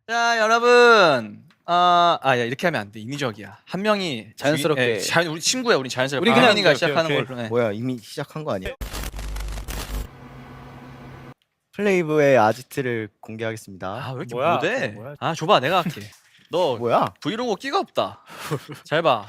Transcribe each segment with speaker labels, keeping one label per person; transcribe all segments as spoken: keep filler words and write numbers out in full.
Speaker 1: 자 여러분 아, 아, 야, 이렇게 하면 안 돼. 인위적이야. 한 명이
Speaker 2: 자연스럽게.
Speaker 1: 예, 자연, 우리 친구야. 우리 자연스럽게.
Speaker 2: 우리 그냥
Speaker 1: 하민이가
Speaker 2: 오케이,
Speaker 1: 시작하는
Speaker 2: 오케이,
Speaker 1: 걸로. 네.
Speaker 3: 뭐야 이미 시작한 거 아니야? 플레이브의 아지트를 공개하겠습니다.
Speaker 1: 아, 왜 이렇게
Speaker 2: 뭐야?
Speaker 1: 못해?
Speaker 2: 뭐야?
Speaker 1: 아, 줘봐. 내가 할게. 너
Speaker 3: 뭐야?
Speaker 1: 브이로그 끼가 없다. 잘 봐.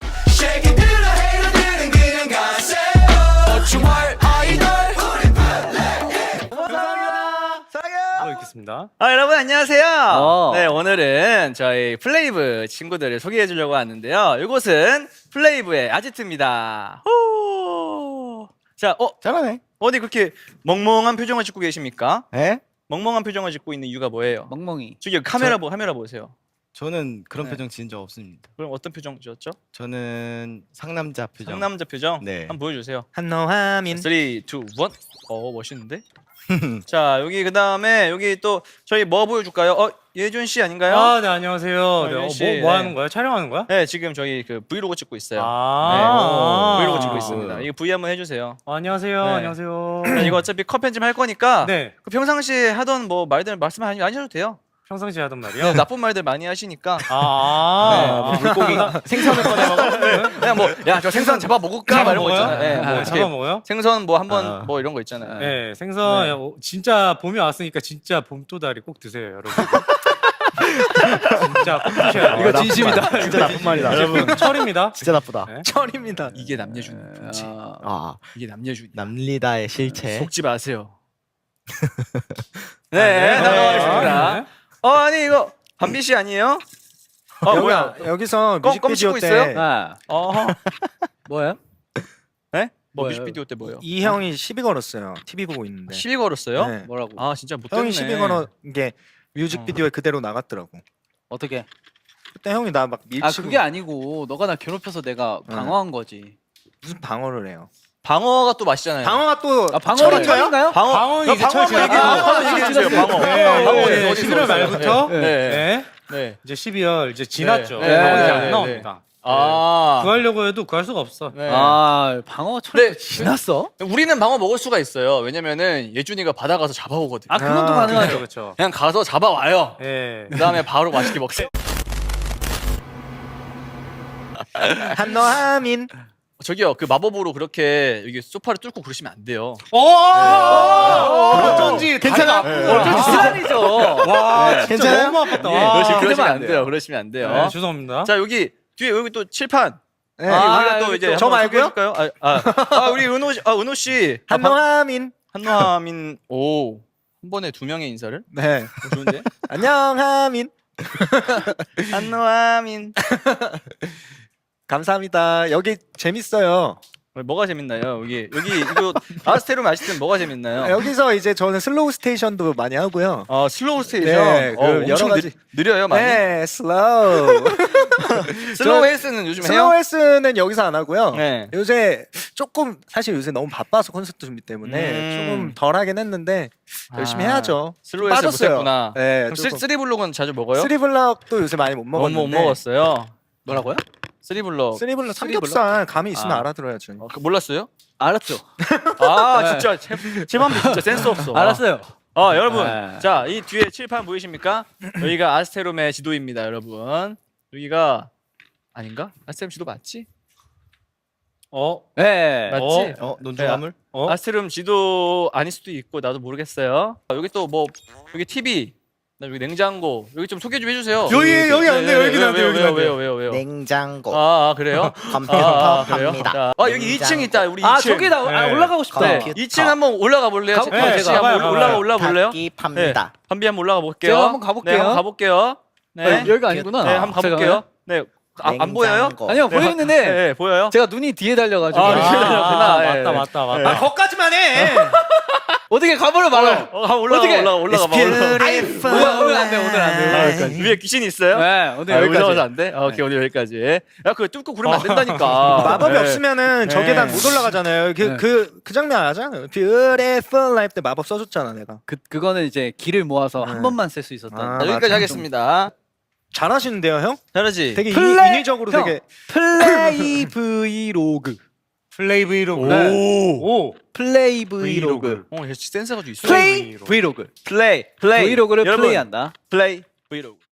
Speaker 2: 하고 있겠습니다.
Speaker 1: 아, 여러분 안녕하세요.
Speaker 2: 어.
Speaker 1: 네, 오늘은 저희 플레이브 친구들을 소개해 주려고 하는데요. 이곳은 플레이브의 아지트입니다. 호! 자, 어,
Speaker 3: 잘하네.
Speaker 1: 어디 그렇게 멍멍한 표정을 짓고 계십니까?
Speaker 3: 에?
Speaker 1: 멍멍한 표정을 짓고 있는 이유가 뭐예요?
Speaker 2: 멍멍이.
Speaker 1: 저기 카메라 보 카메라 보세요.
Speaker 3: 저는 그런
Speaker 1: 네.
Speaker 3: 표정 지은 적 없습니다.
Speaker 1: 그럼 어떤 표정 지었죠?
Speaker 3: 저는 상남자 표정.
Speaker 1: 상남자 표정.
Speaker 3: 네.
Speaker 1: 한번 보여주세요.
Speaker 3: 한노하민.
Speaker 1: 삼, 이, 일. 어, 멋있는데? 자, 여기 그 다음에 여기 또 저희 뭐 보여줄까요? 어, 예준 씨 아닌가요?
Speaker 2: 아, 네 안녕하세요. 네, 어,
Speaker 1: 씨,
Speaker 2: 뭐, 뭐
Speaker 1: 네.
Speaker 2: 하는 거야? 촬영하는 거야?
Speaker 1: 네, 지금 저희 그 브이로그 찍고 있어요.
Speaker 2: 아,
Speaker 1: 네, 브이로그 찍고 있습니다. 이거 브이 한번 해주세요.
Speaker 2: 아, 안녕하세요.
Speaker 1: 네.
Speaker 2: 안녕하세요.
Speaker 1: 자, 이거 어차피 컷 편집 할 거니까
Speaker 2: 네,
Speaker 1: 그 평상시에 하던 뭐 말들 말씀 안 하셔도 돼요.
Speaker 2: 평상시에 하던 말이요.
Speaker 1: 네, 나쁜 말들 많이 하시니까
Speaker 2: 아, 아, 물고기 생선을 꺼내 먹어.
Speaker 1: 그냥 뭐 야 저 생선 잡아 먹을까 막 이런 거 있잖아요. 네, 뭐
Speaker 2: 아,
Speaker 1: 어떻게
Speaker 2: 잡아 먹어요?
Speaker 1: 생선 뭐 한번
Speaker 3: 아.
Speaker 1: 뭐 이런 거 있잖아요.
Speaker 2: 네, 생선
Speaker 1: 네.
Speaker 2: 야, 어, 진짜 봄이 왔으니까 진짜 봄도다리 꼭 드세요, 여러분. 진짜 꼭 드셔야 돼요.
Speaker 3: 이거 진심이다. 진짜 나쁜 말이다.
Speaker 2: 여러분, 철입니다.
Speaker 3: 진짜 나쁘다.
Speaker 2: 네.
Speaker 1: 철입니다. 이게 남녀준 풍치.
Speaker 3: 아
Speaker 1: 이게 남녀준.
Speaker 3: 남리다의 실체.
Speaker 1: 속지 마세요. 네, 나가겠습니다.
Speaker 2: 네.
Speaker 1: 어 아니 이거 한비 씨 아니에요? 어 뭐야?
Speaker 4: 여기서
Speaker 1: 껌- 껌
Speaker 4: 뮤직비디오
Speaker 1: 씹고
Speaker 4: 때
Speaker 1: 있어요?
Speaker 2: 아,
Speaker 1: 어,
Speaker 2: 뭐예요?
Speaker 1: 네? 뭐
Speaker 2: 뭐예요?
Speaker 1: 뮤직비디오 때 뭐요?
Speaker 4: 이 형이 시비 걸었어요. 티비 보고 있는데.
Speaker 1: 시비 걸었어요?
Speaker 4: 네.
Speaker 2: 뭐라고?
Speaker 1: 아 진짜 못 됐네.
Speaker 4: 형이 시비 걸은 게 뮤직비디오에 그대로 나갔더라고.
Speaker 5: 어떻게?
Speaker 4: 그때 형이 나 막 밀치고
Speaker 5: 아 그게 아니고 너가 나 괴롭혀서 내가
Speaker 4: 응.
Speaker 5: 방어한 거지.
Speaker 4: 무슨 방어를 해요.
Speaker 1: 방어가 또 맛있잖아요.
Speaker 4: 방어가 또
Speaker 5: 아 방어는
Speaker 4: 철인가요?
Speaker 5: 철인가요?
Speaker 1: 방어.
Speaker 2: 방어는
Speaker 1: 야,
Speaker 2: 이제
Speaker 1: 방어
Speaker 2: 철
Speaker 1: 한번 얘기해.
Speaker 2: 지났어요.
Speaker 1: 방어 한번 얘기해 주세요. 방어.
Speaker 2: 네,
Speaker 1: 방어
Speaker 2: 네,
Speaker 1: 어디
Speaker 2: 십일월
Speaker 1: 있어요?
Speaker 2: 말부터
Speaker 1: 네.
Speaker 2: 네.
Speaker 1: 네.
Speaker 2: 이제 십이월 이제 지났죠.
Speaker 1: 네.
Speaker 2: 방어 이제
Speaker 1: 네.
Speaker 2: 안
Speaker 1: 네.
Speaker 2: 나옵니다.
Speaker 1: 아.
Speaker 2: 구하려고 해도 구할 수가 없어.
Speaker 1: 네.
Speaker 5: 아 방어 철
Speaker 1: 네.
Speaker 5: 지났어?
Speaker 1: 우리는 방어 먹을 수가 있어요. 왜냐면은 예준이가 바다 가서 잡아오거든.
Speaker 5: 아 그건 또
Speaker 4: 아,
Speaker 5: 가능하죠.
Speaker 2: 그렇죠.
Speaker 1: 그냥 가서 잡아와요.
Speaker 2: 예.
Speaker 1: 그 다음에 바로 맛있게 먹세요.
Speaker 4: 한너하민.
Speaker 1: 저기요, 그 마법으로 그렇게 여기 소파를 뚫고 그러시면 안 돼요.
Speaker 2: 오! 어쩐지
Speaker 4: 괜찮아?
Speaker 2: 어쩐지
Speaker 5: 시간이죠.
Speaker 2: 와, 진짜
Speaker 4: 괜찮아요?
Speaker 2: 너무 아팠다.
Speaker 1: 예,
Speaker 2: 와.
Speaker 1: 그러시, 그러시면
Speaker 5: 그러면
Speaker 1: 안
Speaker 5: 안
Speaker 1: 돼요.
Speaker 5: 돼요.
Speaker 1: 그러시면 안 돼요.
Speaker 2: 네, 죄송합니다.
Speaker 1: 자, 여기 뒤에 여기 또 칠판.
Speaker 4: 네.
Speaker 1: 아,
Speaker 5: 아,
Speaker 1: 우리가 또
Speaker 5: 여기
Speaker 1: 이제
Speaker 5: 또
Speaker 4: 저
Speaker 1: 한번
Speaker 4: 말고요?
Speaker 1: 소개해줄까요? 아, 아, 아, 우리 은호 씨, 아, 은호 씨. 아, 방-
Speaker 4: 한너하민.
Speaker 1: 한노하민, 오. 한 번에 두 명의 인사를?
Speaker 4: 네.
Speaker 1: 어, 좋은데?
Speaker 4: 안녕하민.
Speaker 1: 한노하민.
Speaker 4: 감사합니다. 여기 재밌어요.
Speaker 1: 뭐가 재밌나요? 여기, 여기, 이거, 아스테룸 아시든 뭐가 재밌나요?
Speaker 4: 여기서 이제 저는 슬로우 스테이션도 많이 하고요.
Speaker 1: 아, 슬로우 스테이션.
Speaker 4: 네,
Speaker 1: 어,
Speaker 4: 그
Speaker 1: 엄청
Speaker 4: 여러 가지-
Speaker 1: 느, 느려요, 많이.
Speaker 4: 네, 슬로우.
Speaker 1: 슬로우 헬스는 요즘 해요?
Speaker 4: 슬로우 헬스는 여기서 안 하고요.
Speaker 1: 네.
Speaker 4: 요새 조금 사실 요새 너무 바빠서 콘서트 준비 때문에
Speaker 1: 음.
Speaker 4: 조금 덜 하긴 했는데 열심히
Speaker 1: 아,
Speaker 4: 해야죠.
Speaker 1: 슬로우 헬스
Speaker 4: 빠졌어요.
Speaker 1: 못했구나.
Speaker 4: 네,
Speaker 1: 그럼 쓰리,
Speaker 4: 조금.
Speaker 1: 쓰리 블록은 자주 먹어요?
Speaker 4: 쓰리블럭도 요새 많이 못
Speaker 1: 어,
Speaker 4: 먹었는데.
Speaker 1: 못 먹었어요.
Speaker 5: 뭐라고요?
Speaker 1: 쓰리 블록.
Speaker 4: 쓰리블럭 삼겹살 감이 있으면
Speaker 1: 아.
Speaker 4: 알아들어야죠.
Speaker 1: 어, 그 몰랐어요?
Speaker 5: 알았죠.
Speaker 1: 아,
Speaker 5: 네.
Speaker 1: 진짜 제, 제맘 진짜 센스 없어.
Speaker 5: 알았어요.
Speaker 1: 아, 여러분.
Speaker 5: 네.
Speaker 1: 자, 이 뒤에 칠판 보이십니까? 여기가 아스테롬의 지도입니다, 여러분. 여기가 아닌가? 아스테롬 지도 맞지?
Speaker 2: 어?
Speaker 5: 네.
Speaker 1: 맞지?
Speaker 3: 어 논중화물?
Speaker 2: 어?
Speaker 1: 아스테롬 지도 아닐 수도 있고 나도 모르겠어요. 아, 여기 또 뭐 여기 티비, 나 여기 냉장고. 여기 좀 소개 좀 해주세요.
Speaker 2: 여기, 여기 안 돼요,
Speaker 1: 네,
Speaker 2: 여기는
Speaker 1: 왜요,
Speaker 2: 안 돼요,
Speaker 1: 왜요,
Speaker 2: 여기는 안
Speaker 1: 왜요,
Speaker 2: 돼요.
Speaker 1: 왜요, 왜요?
Speaker 3: 냉장고.
Speaker 1: 아, 아, 그래요?
Speaker 3: 컴퓨터
Speaker 1: 아, 아, 그래요?
Speaker 3: 갑니다.
Speaker 1: 자, 아, 여기 이 층 있다. 우리 이 층.
Speaker 5: 아 저기 나 아,
Speaker 2: 네.
Speaker 5: 올라가고 싶다.
Speaker 1: 네.
Speaker 3: 컴퓨터.
Speaker 1: 이 층 한번 올라가 볼래요?
Speaker 5: 가볼게요,
Speaker 1: 네,
Speaker 2: 제가.
Speaker 1: 한번
Speaker 2: 가봐요,
Speaker 1: 올라가
Speaker 2: 가봐요.
Speaker 1: 올라 볼래요?
Speaker 3: 닫기 팝니다.
Speaker 1: 한비 한번 올라가 볼게요.
Speaker 5: 제가 한번 가볼게요.
Speaker 1: 네, 한번 가볼게요. 네,
Speaker 5: 아, 여기가 아니구나.
Speaker 1: 네, 한번 가볼게요. 네, 아, 안 보여요?
Speaker 3: 냉장고.
Speaker 5: 아니요
Speaker 1: 네,
Speaker 5: 보이는데
Speaker 1: 네, 네, 보여요?
Speaker 5: 제가 눈이 뒤에 달려가지고
Speaker 1: 아,
Speaker 2: 아,
Speaker 1: 뒤에 달렸구나.
Speaker 2: 아,
Speaker 1: 예,
Speaker 2: 맞다,
Speaker 1: 예.
Speaker 2: 맞다, 맞다.
Speaker 1: 예.
Speaker 2: 아, 거기까지만 해.
Speaker 5: 어떻게 가버려 말아요.
Speaker 1: 어, 한번 올라가
Speaker 5: 어떻게?
Speaker 1: 올라가 올라가 봐. 올라가.
Speaker 5: 오늘 오늘 안 돼, 오늘 안 돼.
Speaker 1: 아, 여기까지. 위에 귀신 있어요?
Speaker 5: 네 오늘
Speaker 1: 아,
Speaker 5: 여기까지.
Speaker 1: 올라가서 안 돼? 아, 오케이, 오늘 여기까지. 야, 그거 뚫고 그러면 안 된다니까.
Speaker 4: 마법이
Speaker 1: 네.
Speaker 4: 없으면은 저
Speaker 1: 네.
Speaker 4: 계단 못 올라가잖아요. 그
Speaker 5: 네.
Speaker 4: 그 그 장면 알잖아요. Beautiful Life 때 마법 써줬잖아 내가.
Speaker 5: 그 그거는 이제 길을 모아서
Speaker 4: 네.
Speaker 5: 한 번만 쓸 수 있었다.
Speaker 4: 아,
Speaker 1: 자, 여기까지
Speaker 4: 맞아.
Speaker 1: 하겠습니다.
Speaker 4: 잘하시는데요, 형?
Speaker 1: 잘하지?
Speaker 4: 되게 인-
Speaker 5: 플레이-
Speaker 4: 인위적으로
Speaker 5: 형.
Speaker 4: 되게
Speaker 5: 플레이 브이로그.
Speaker 2: 플레이 브이로그.
Speaker 1: 오.
Speaker 2: 오.
Speaker 5: 플레이 브이로그.
Speaker 1: 어, 역시 센스가 좀 있어.
Speaker 5: 플레이 브이로그.
Speaker 1: 플레이. 플레이.
Speaker 5: 브이로그를
Speaker 1: 여러분,
Speaker 5: 플레이한다.
Speaker 1: 플레이. 브이로그.